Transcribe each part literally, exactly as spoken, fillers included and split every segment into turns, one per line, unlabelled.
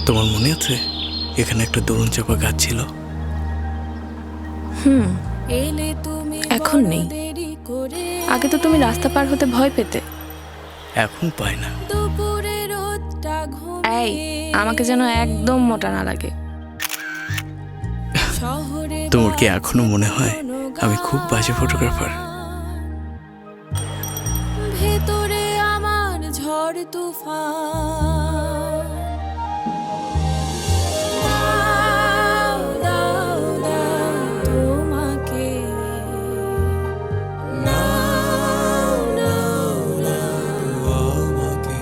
তোমার মনে আছে এখানে একটা দোলন চাপা গাছ ছিল?
হুম, এখন নেই। আগে তো তুমি রাস্তা পার হতে ভয় পেতে।
এখন পাই না।
এই, আমাকে যেন একদম মোটা না লাগে।
তোমার কি এখনো মনে হয় আমি খুব বাজে ফটোগ্রাফার?
ভেতরে আমার ঝড় তুফান, দাও, দাও, দাও তোমাকে, নাও, নাও, নাও আমাকে,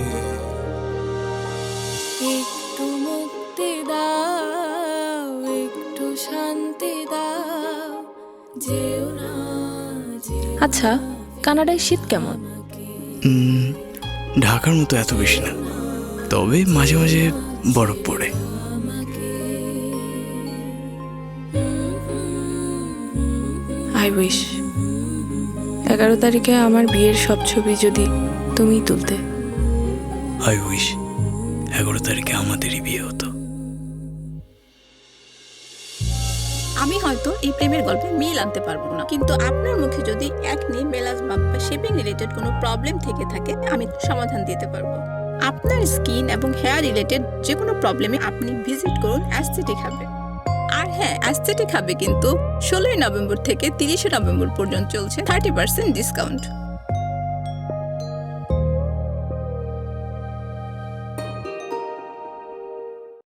একটু মুক্তি দাও, একটু শান্তি দাও, যেও না, যেও না।
আচ্ছা, কানাডায় শীত কেমন?
উম, ঢাকার মতো এত বেশি না, তবে মাঝে মাঝে বরফ পড়ে।
আই উইশ এগারো তারিখে আমার বিয়ের সব ছবি যদি তুমিই তুলতে।
আই উইশ এগারো তারিখে আমাদেরই বিয়ে হতো।
আমি হয়তো এই প্রেমের গল্পে মিল আনতে পারবো না, কিন্তু আপনার মুখে যদি একনি মেলাজমা বা শেপিং রিলেটেড কোনো প্রবলেম থেকে থাকে আমি সমাধান দিতে পারবো। আপনার স্কিন এবং হেয়ার রিলেটেড যে কোনো প্রবলেমে আপনি ভিজিট করুন অ্যাস্থেটিক হাবে। আর হ্যাঁ, অ্যাস্থেটিক হাবে কিন্তু ষোলোই নভেম্বর থেকে তিরিশে নভেম্বর পর্যন্ত চলছে থার্টি পার্সেন্ট ডিসকাউন্ট।